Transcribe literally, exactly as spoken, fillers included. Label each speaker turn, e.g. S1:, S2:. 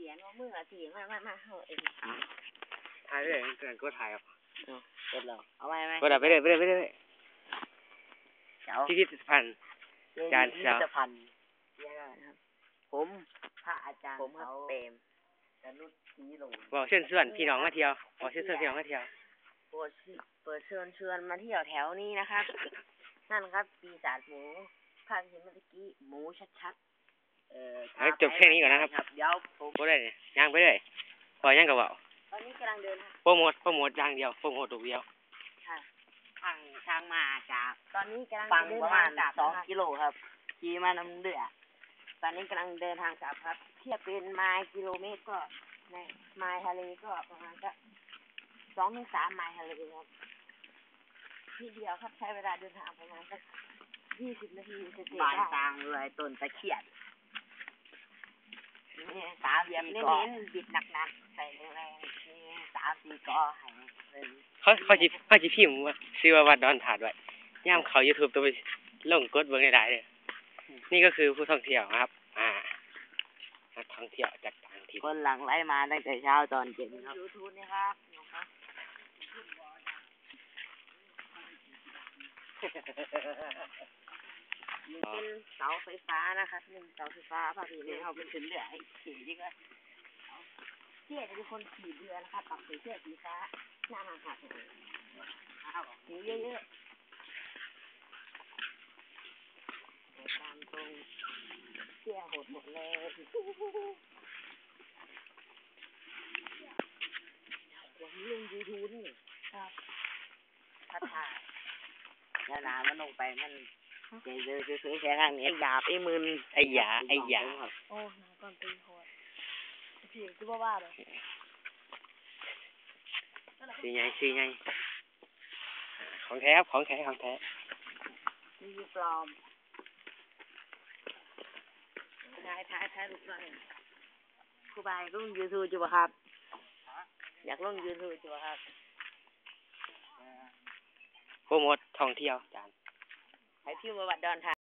S1: ขียนว่ามืออาทีมามามาเฮ้ย
S2: ถ่ายไปเลยเกินก็ถ่ายออก
S1: กดเราเอาไว้ไหม
S2: กดเอาไปเลยไปเลยไปเลยพิพิธภัณฑ์จานเสา
S1: พันธ์ผมพระอาจารย์ผมเขาเปรมกนุษย์ศรีหลง
S2: บอกเชิญชวนพี่น้องมาเที่ยวบอกเชิญชวนพี่น้องมาเที่ยว
S1: เปิดเปิดเชิญชวนมาเที่ยวแถวนี้นะครับนั่นครับปีศาจหมูภาพเห็นเมื่อกี้หมูชัดๆเอ่อ
S2: จบแค่นี้ก่อนนะครับ
S1: เดี๋ยวผม
S2: ก็ได้เนี่ยย่างไปเลยพอย่างกับว่า
S1: ตอนนี้กำลังเดิน
S2: โปรโมทโปรโมทอย่างเดียวโปรโมทตัวเดียว
S1: ค่ะทางทางมาจากตอนนี้กำลังเดินประมาณสองกิโลครับขี่มาน้ำเดือดตอนนี้กำลังเดินทางกลับครับเทียบเป็นไมล์กิโลเมตรก็ในไมล์ทะเลก็ประมาณก็สองถึงสามไมล์ทะเลครับทีเดียวครับใช้เวลาเดินทางประมาณสักยี่สิบนาทีเสร็จบ้านกลางเลยต้นตะเคียนนี่สามเหลี่ยมเน้นๆบิดหนักๆใส่แรงๆนี่สามสี่กอให้
S2: เขาเขาจีเขาจีพิมพ์ว่าซื้อว่าวัดดอนถาดไว้ย่ามเขายูทูบตัวไปลงกดเบิ้งได้เลยนี่ก็คือผู้ท่องเที่ยวครับอ่านักท่องเที่ยวจากต่างถิ่น
S1: คนหลังไล่มาตั้งแต่เช้าตอนเย็นครับยูทูบนี่ครับเป็นเสาไฟฟ้านะครับหนึ่งเสาไฟฟ้าพอดีเลยเขาเป็นขึ้นเรือไอ้ขี่ดีกว่าเที่ยจะเป็นคนขี่เรือนะครับปักสีเสื้อสีฟ้าหน้าหักๆสีเยอะๆตามตรงเที่ยโหดหมดเลยผมลงยูทูบนี่ครับพัดถ่ายแล้วน้ำมันลงไปมันเจอเจอเจอแค่ทางนี้หยาบไอ้มือ
S2: ไอ้หยาไอ้หยา
S1: โอ้น้ำก่อนตีโหดพี่คือบ้าๆเลย
S2: สีไงสีไงของแท้ครับของแท้ของแท้
S1: มีปลอมถ่ายถ่ายถ่ายรูปหน่อยครูบายลงยูทูบจุ๊บครับอยากลงยูทูบจุ๊บครับ
S2: โปรโมทท่องเที่ยวจาน
S1: ให้พี่มาวัดดอนทา